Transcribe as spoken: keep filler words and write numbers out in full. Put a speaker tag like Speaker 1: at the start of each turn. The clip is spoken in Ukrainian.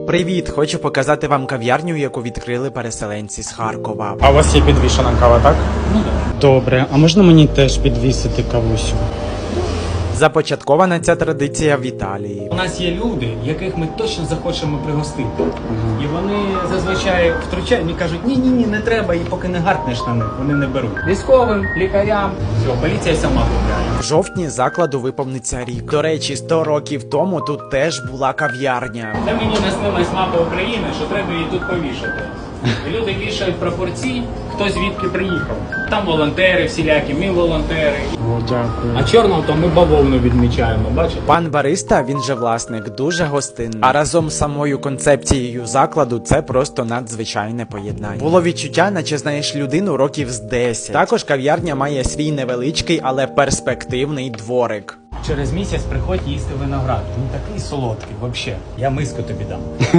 Speaker 1: Привіт! Хочу показати вам кав'ярню, яку відкрили переселенці з Харкова.
Speaker 2: А у вас є підвішена кава, так?
Speaker 3: Ну так.
Speaker 2: Добре, а можна мені теж підвісити кавусю?
Speaker 1: Започаткована ця традиція в Італії.
Speaker 3: У нас є люди, яких ми точно захочемо пригостити. І вони зазвичай втручають і кажуть, ні-ні-ні, не треба, і поки не гаркнеш на них, вони не беруть. Військовим, лікарям, все, поліція сама купляє.
Speaker 1: В жовтні закладу виповниться рік. До речі, сто років тому тут теж була кав'ярня.
Speaker 3: Це мені наснилась мапа України, що треба її тут повішати. І люди вішають прапорці, хто звідки приїхав. Там волонтери всілякі, ми волонтери.
Speaker 2: О, дякую.
Speaker 3: А чорного то ми бавовну відмічаємо, бачите?
Speaker 1: Пан бариста, він же власник, дуже гостинний. А разом з самою концепцією закладу це просто надзвичайне поєднання. Було відчуття, наче знаєш людину років з десять. Також кав'ярня має свій невеличкий, але перспективний дворик.
Speaker 3: Через місяць приходь їсти виноград. Він такий солодкий, взагалі. Я миску тобі дам.